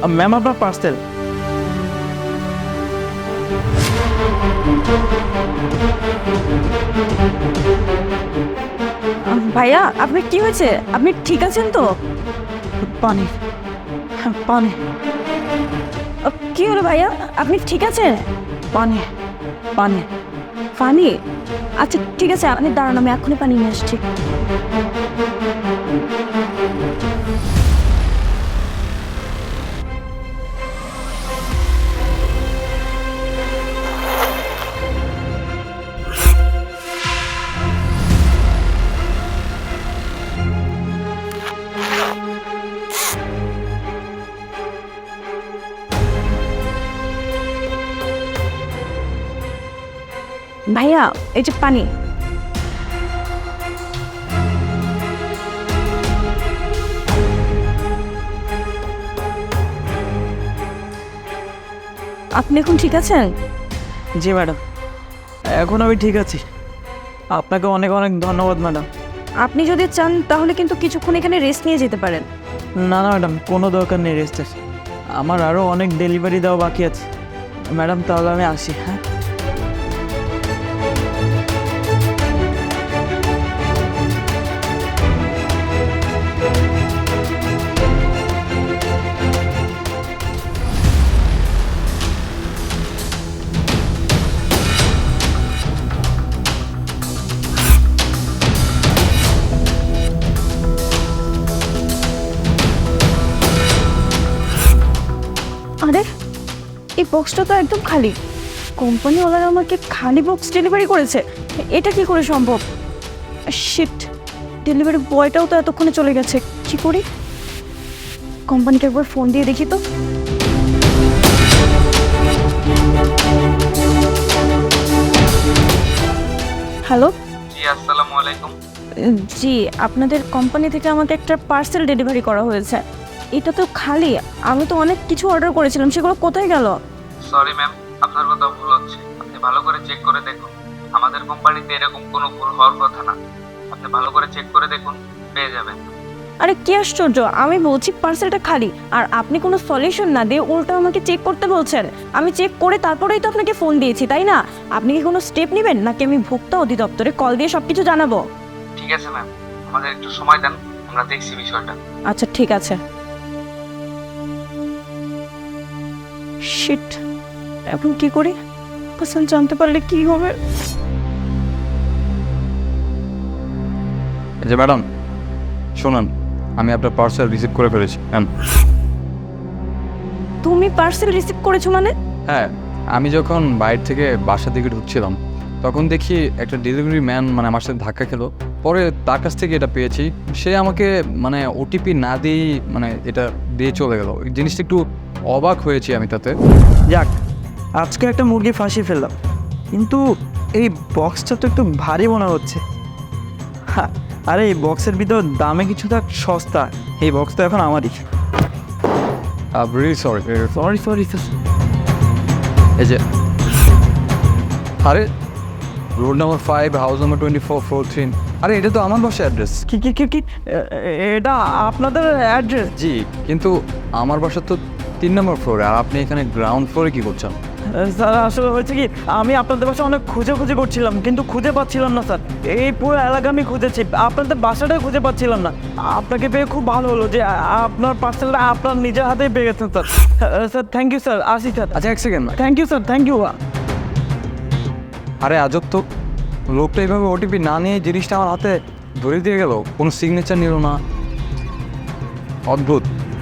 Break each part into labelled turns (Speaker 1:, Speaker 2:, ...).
Speaker 1: Ma'am আপনার parcel.
Speaker 2: ভাইয়া আপনার কি হয়েছে? আপনি ঠিক আছেন তো?
Speaker 1: পানি, পানি,
Speaker 2: কি হলো ভাইয়া? আপনি ঠিক আছেন?
Speaker 1: পানি, পানি।
Speaker 2: পানি? আচ্ছা ঠিক আছে, আপনি দাঁড়ান, আমি এক্ষুনি পানি নিয়ে আসছি। ভাইয়া এই যে পানি। আপনি এখন ঠিক আছেন?
Speaker 1: জি ম্যাডাম, এখন আমি ঠিক আছি। আপনাকে অনেক অনেক ধন্যবাদ ম্যাডাম।
Speaker 2: আপনি যদি চান তাহলে কিন্তু কিছুক্ষণ এখানে রেস্ট নিয়ে যেতে পারেন।
Speaker 1: না না ম্যাডাম, কোনো দরকার নেই রেস্টের। আমার আরও অনেক ডেলিভারি দেওয়া বাকি আছে ম্যাডাম। তাহলে আমি আসি। হ্যাঁ,
Speaker 2: আরে এই বক্সটা তো একদম খালি। কোম্পানিওয়ালারা আমাকে খালি বক্স ডেলিভারি করেছে। এটা কি করে সম্ভব? শিট, ডেলিভারি বয়টাও তো এতক্ষণে চলে গেছে। কি করি? কোম্পানিকে একবার ফোন দিয়ে দেখি তো। হ্যালো।
Speaker 3: জি আসসালামু আলাইকুম।
Speaker 2: জি, আপনাদের কোম্পানি থেকে আমাকে একটা পার্সেল ডেলিভারি করা হয়েছে। এটা তো খালি। আমি তো অনেক কিছু অর্ডার করেছিলাম, সেগুলো কোথায় গেল?
Speaker 3: সরি ম্যাম, আপনার কথা ভুল হচ্ছে। আপনি ভালো করে চেক করে দেখুন। আমাদের কোম্পানিতে এরকম কোনো ভুল হওয়ার কথা না। আপনি ভালো করে চেক করে দেখুন, পেয়ে যাবেন।
Speaker 2: আরে কি আশ্চর্য, আমি বলছি পার্সেলটা খালি, আর আপনি কোনো সলিউশন না দিয়ে উল্টো আমাকে চেক করতে বলছেন। আমি চেক করে তারপরেই তো আপনাকে ফোন দিয়েছি, তাই না? আপনি কি কোনো স্টেপ নেবেন, নাকি আমি ভোক্তা অধিদপ্তরে কল দিয়ে সব কিছু জানাবো?
Speaker 3: ঠিক আছে ম্যাম, আমাদের একটু সময় দেন, আমরা দেখছি বিষয়টা।
Speaker 2: আচ্ছা ঠিক আছে। শিট, এখন কি করি? পার্সেল জানতে পারলে কি হবে?
Speaker 4: এই যে ম্যাডাম শুনুন, আমি আপনার পার্সেল রিসিভ করে ফেলেছি।
Speaker 2: তুমি পার্সেল রিসিভ করেছো মানে?
Speaker 4: হ্যাঁ, আমি যখন বাইরে থেকে বাসা দিকে ঢুকছিলাম তখন দেখি একটা ডেলিভারি ম্যান মানে আমার সাথে ধাক্কা খেলো। পরে তার কাছ থেকে এটা পেয়েছি। সে আমাকে মানে ওটিপি না দিয়েই মানে এটা দিয়ে চলে গেল। এই জিনিসটা একটু অবাক হয়েছি আমি তাতে।
Speaker 1: যাক, আজকে একটা মুরগি ফাঁসিয়ে ফেললাম। কিন্তু এই বক্সটা তো একটু ভারী মনে হচ্ছে। হ্যাঁ, আরে এই বক্সের ভিতর দামে কিছু থাক সস্তা। এই বক্স তো এখন আমারই।
Speaker 4: Really sorry.
Speaker 1: Sorry sorry.
Speaker 4: এই যে আরে road number 5, house number 24, floor 3। আরে এটা তো আমার বাসার অ্যাড্রেস।
Speaker 1: কি কি কি কি এটা আপনাদের অ্যাড্রেস?
Speaker 4: জি, কিন্তু আমার বাসা তো 3 নম্বর ফ্লোরে, আর আপনি এখানে গ্রাউন্ড ফ্লোরে কী করছেন?
Speaker 1: স্যার আসলে হয়েছে কি, আমি আপনাদের বাসা অনেক খুঁজে করছিলাম, কিন্তু খুঁজে পাচ্ছিলাম না স্যার। এই পুরো এলাকা আমি খুঁজেছি, আপনাদের বাসাটাই খুঁজে পাচ্ছিলাম না। আপনাকে পেয়ে খুব ভালো হলো যে আপনার পার্সেলটা আপনার নিজের হাতেই পেয়ে গেছেন sir. Sir thank you sir, আসি স্যার।
Speaker 4: আচ্ছা এক second.
Speaker 1: Thank you sir, thank you.
Speaker 4: আরে আজব তো, লোকটা এইভাবে ওটিপি না নিয়ে জিনিসটা আমার হাতে ধরে দিয়ে গেল, কোনো সিগনেচার নিল না। অদ্ভুত।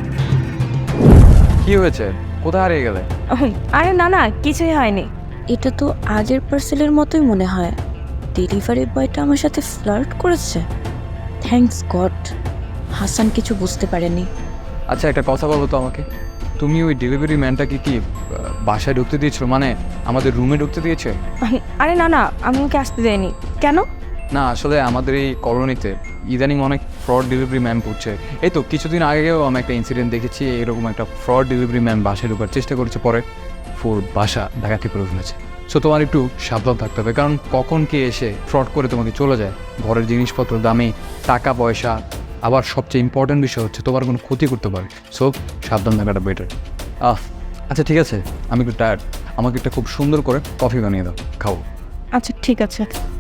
Speaker 4: কি হয়েছে? কোথায় হারিয়ে গেলে?
Speaker 2: আরে না না, কিছুই হয়নি। এটা তো আগের পার্সেলের মতোই মনে হয়। ডেলিভারি বয়টা আমার সাথে ফ্লার্ট করেছে। থ্যাঙ্কস গড, হাসান কিছু বুঝতে পারেনি।
Speaker 4: আচ্ছা একটা কথা বলো তো আমাকে, তুমি ওই ডেলিভারি ম্যানটাকে কি বাসায় ঢুকতে দিয়েছো, মানে আমাদের রুমে ঢুকতে দিয়েছে?
Speaker 2: আরে না না, আমি ওকে আসতে দেয়নি। কেন?
Speaker 4: না আসলে আমাদের এই কলোনিতে ইদানিং অনেক ফ্রড ডেলিভারি ম্যান করছে। এই তো কিছুদিন আগেও আমি একটা ইনসিডেন্ট দেখেছি, এরকম একটা ফ্রড ডেলিভারি ম্যান বাসায় ঢোকার চেষ্টা করেছে, পরে ফুল বাসা ডাকাতি করে ফেলেছে। সো তোমার একটু সাবধান থাকতে হবে, কারণ কখন কে এসে ফ্রড করে তোমাকে চলে যায়। ঘরের জিনিসপত্র দামি, টাকা পয়সা, আবার সবচেয়ে ইম্পর্টেন্ট বিষয় হচ্ছে তোমার কোনো ক্ষতি করতে পারে। সো সাবধান থাকাটা বেটার। আচ্ছা ঠিক আছে, আমি একটু টায়ার্ড, আমাকে একটা খুব সুন্দর করে কফি বানিয়ে দাও, খাও।
Speaker 2: আচ্ছা ঠিক আছে।